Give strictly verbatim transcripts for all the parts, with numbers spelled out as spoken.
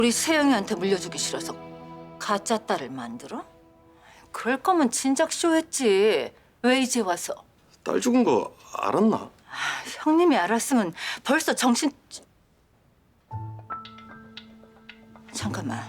우리 세영이한테 물려주기 싫어서 가짜 딸을 만들어? 그럴 거면 진작 쇼했지. 왜 이제 와서? 딸 죽은 거 알았나? 아, 형님이 알았으면 벌써 정신... 잠깐만.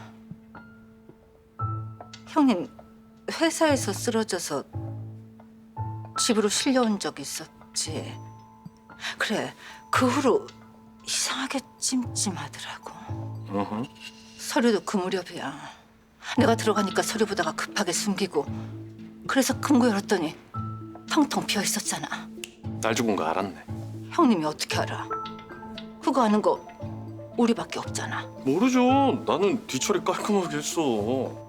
형님 회사에서 쓰러져서 집으로 실려온 적 있었지. 그래, 그 후로 이상하게 찜찜하더라고. 어허. 서류도 그 무렵이야. 내가 들어가니까 서류 보다가 급하게 숨기고, 그래서 금고 열었더니 텅텅 비어 있었잖아. 딸 죽은 거 알았네. 형님이 어떻게 알아? 그거 아는 거 우리밖에 없잖아. 모르죠. 나는 뒤처리 깔끔하게 했어.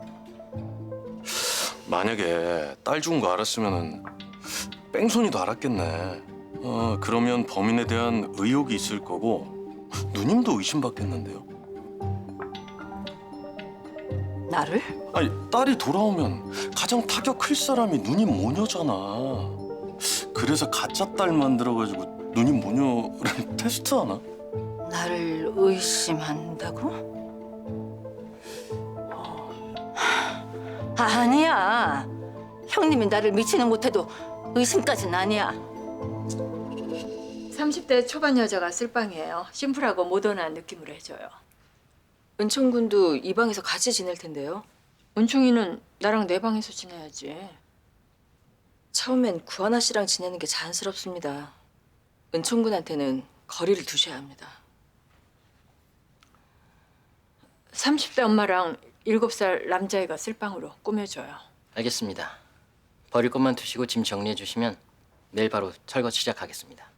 만약에 딸 죽은 거 알았으면은 뺑소니도 알았겠네. 어, 그러면 범인에 대한 의혹이 있을 거고 누님도 의심받겠는데요. 나를? 아니, 딸이 돌아오면 가장 타격 클 사람이 누님 모녀잖아. 그래서 가짜 딸 만들어가지고 누님 모녀를 테스트하나? 나를 의심한다고? 아, 아니야. 형님이 나를 미치는 못해도 의심까지는 아니야. 삼십 대 초반 여자가 쓸 방이에요. 심플하고 모던한 느낌으로 해줘요. 은총 군도 이 방에서 같이 지낼 텐데요. 은총이는 나랑 내 방에서 지내야지. 처음엔 구하나 씨랑 지내는 게 자연스럽습니다. 은총 군한테는 거리를 두셔야 합니다. 삼십 대 엄마랑 일곱 살 남자애가 쓸 방으로 꾸며줘요. 알겠습니다. 버릴 것만 두시고 짐 정리해 주시면 내일 바로 철거 시작하겠습니다.